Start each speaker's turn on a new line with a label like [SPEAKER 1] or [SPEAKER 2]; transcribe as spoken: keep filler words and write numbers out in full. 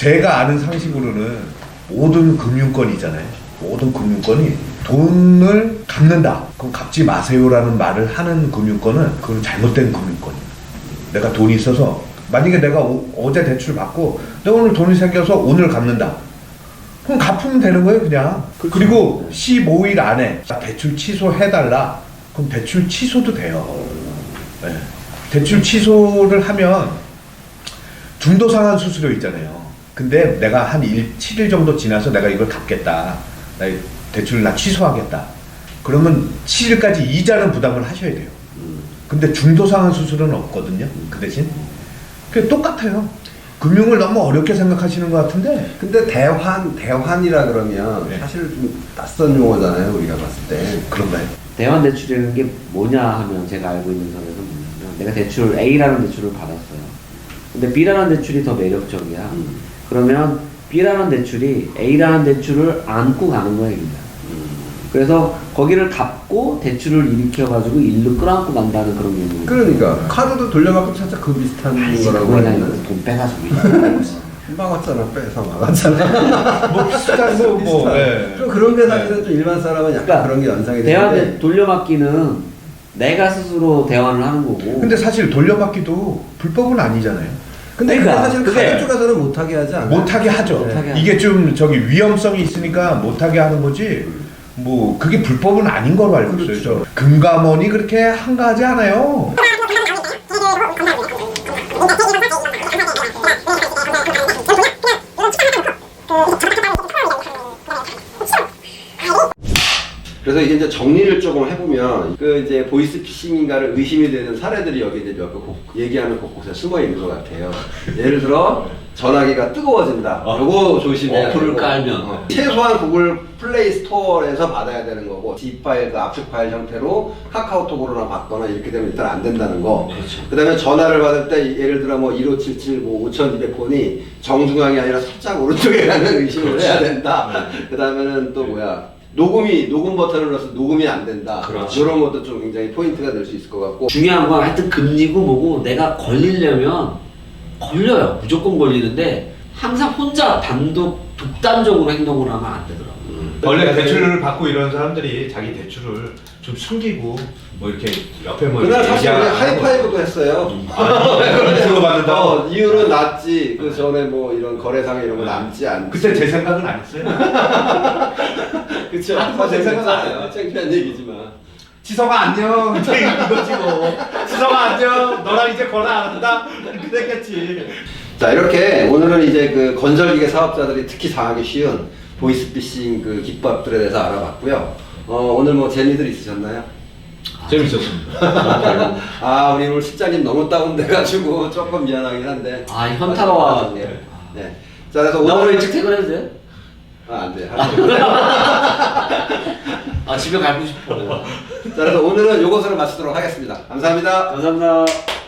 [SPEAKER 1] 제가 아는 상식으로는 모든 금융권이잖아요. 모든 금융권이 돈을 갚는다. 그럼 갚지 마세요라는 말을 하는 금융권은 그건 잘못된 금융권이에요. 내가 돈이 있어서 만약에 내가 오, 어제 대출 받고 내가 오늘 돈이 생겨서 오늘 갚는다. 그럼 갚으면 되는 거예요, 그냥. 그렇죠. 그리고 십오 일 안에 대출 취소해달라. 그럼 대출 취소도 돼요. 네. 대출 취소를 하면 중도상환 수수료 있잖아요. 근데 내가 한 칠 일 정도 지나서 내가 이걸 갚겠다. 나 대출을 나 취소하겠다. 그러면 칠 일까지 이자는 부담을 하셔야 돼요. 근데 중도상환 수수료는 없거든요. 그 대신. 그게 똑같아요. 금융을 너무 어렵게 생각하시는 것 같은데.
[SPEAKER 2] 근데 대환, 대환이라 그러면
[SPEAKER 1] 네.
[SPEAKER 2] 사실 좀 낯선 용어잖아요, 우리가 봤을 때.
[SPEAKER 1] 그런가요?
[SPEAKER 3] 대환 대출이라는 게 뭐냐 하면 제가 알고 있는 선에서 뭐냐면 내가 대출 A라는 대출을 받았어요. 근데 B라는 대출이 더 매력적이야.
[SPEAKER 2] 음.
[SPEAKER 3] 그러면 B라는 대출이 A라는 대출을 안고 가는 거야, 그냥. 그래서 거기를 갚고 대출을 일으켜가지고 일로 끌어안고 간다는 그런 개념.
[SPEAKER 2] 그러니까 카드도 돌려받고 살짝 그 비슷한 거라고
[SPEAKER 3] 그냥
[SPEAKER 2] 하는.
[SPEAKER 3] 돈 빼가지고.
[SPEAKER 2] 막았잖아, 빼서 막았잖아.
[SPEAKER 1] 뭐 비슷한 거 뭐. 네.
[SPEAKER 2] 좀 그런 게 사실은 좀 일반 사람은 약간
[SPEAKER 3] 그러니까
[SPEAKER 2] 그런 게 연상이
[SPEAKER 3] 대환
[SPEAKER 2] 되는데.
[SPEAKER 3] 돌려받기는 내가 스스로 대환을 하는 거고.
[SPEAKER 1] 근데 사실 돌려받기도 불법은 아니잖아요.
[SPEAKER 2] 근데 그게
[SPEAKER 3] 그러니까,
[SPEAKER 2] 사실
[SPEAKER 3] 그게-
[SPEAKER 2] 카드 쪽에서는 못하게 하지 않아요?
[SPEAKER 1] 못하게 하죠.
[SPEAKER 3] 못하게 하죠.
[SPEAKER 1] 이게 좀 저기 위험성이 있으니까 못하게 하는 거지. 뭐 그게 불법은 아닌 걸로 알고 있어요.
[SPEAKER 2] 그렇죠.
[SPEAKER 1] 저 금감원이 그렇게 한가하지 않아요.
[SPEAKER 2] 그래서 이게 이제 정리를 조금 해보면 그 이제 보이스피싱인가를 의심이 되는 사례들이 여기 이제 몇 개 얘기하는 곳곳에 숨어 있는 것 같아요. 예를 들어 전화기가 뜨거워진다. 요거 조심해야 되고.
[SPEAKER 3] 어플을 깔면.
[SPEAKER 2] 어. 최소한 구글 플레이 스토어에서 받아야 되는 거고 D 파일, 그 압축 파일 형태로 카카오톡으로나 받거나 이렇게 되면 일단 안 된다는 거.
[SPEAKER 3] 그렇죠.
[SPEAKER 2] 그 다음에 전화를 받을 때 예를 들어 뭐 일오칠칠 뭐 오천이백 번이 정중앙이 아니라 살짝 오른쪽에 가는 의심을 해야 된다. 그 다음에는 또 뭐야. 녹음이 녹음 버튼을 눌러서 녹음이 안 된다.
[SPEAKER 3] 그렇죠.
[SPEAKER 2] 이런 것도 좀 굉장히 포인트가 될 수 있을 것 같고.
[SPEAKER 3] 중요한 건 하여튼 금리고 뭐고 내가 걸리려면 걸려요. 무조건 걸리는데 항상 혼자 단독 독단적으로 행동을 하면 안 되더라고요.
[SPEAKER 2] 음.
[SPEAKER 1] 원래 대출을 받고 이런 사람들이 자기 대출을 좀 숨기고 뭐 이렇게 옆에 뭐
[SPEAKER 2] 그날
[SPEAKER 1] 이렇게
[SPEAKER 2] 사실 우리
[SPEAKER 1] 얘기하는
[SPEAKER 2] 하이파이브도 했어요.
[SPEAKER 1] 그거 받는다고?
[SPEAKER 2] 어, 이유는 낮지. 그 전에 뭐 이런 거래상에 이런 거 남지 않지.
[SPEAKER 1] 그때 제 생각은 안 했어요.
[SPEAKER 2] 그쵸.
[SPEAKER 1] 아, 제 생각은 안 해요.
[SPEAKER 2] 창피한 얘기지만.
[SPEAKER 1] 지성아 안녕. 이제 이거지 뭐. 지성아 안녕. 너랑 이제 거래 안 한다. 그랬겠지.
[SPEAKER 2] 자, 이렇게 오늘은 이제 그 건설기계 사업자들이 특히 당하기 쉬운 보이스피싱 그 기법들에 대해서 알아봤고요. 어, 오늘 뭐 재미들 있으셨나요?
[SPEAKER 1] 재밌었습니다.
[SPEAKER 2] 아, 우리 오늘 실장님 너무 다운돼가지고 조금 미안하긴 한데.
[SPEAKER 3] 아, 현타가
[SPEAKER 2] 네.
[SPEAKER 3] 와가지고.
[SPEAKER 2] 네. 자, 그래서
[SPEAKER 3] 나 오늘
[SPEAKER 2] 오늘
[SPEAKER 3] 일찍 퇴근해도 돼?
[SPEAKER 2] 아, 안 돼.
[SPEAKER 3] 아, 집에 가고 싶어.
[SPEAKER 2] 자, 그래서 오늘은 요것으로 마치도록 하겠습니다. 감사합니다.
[SPEAKER 3] 감사합니다.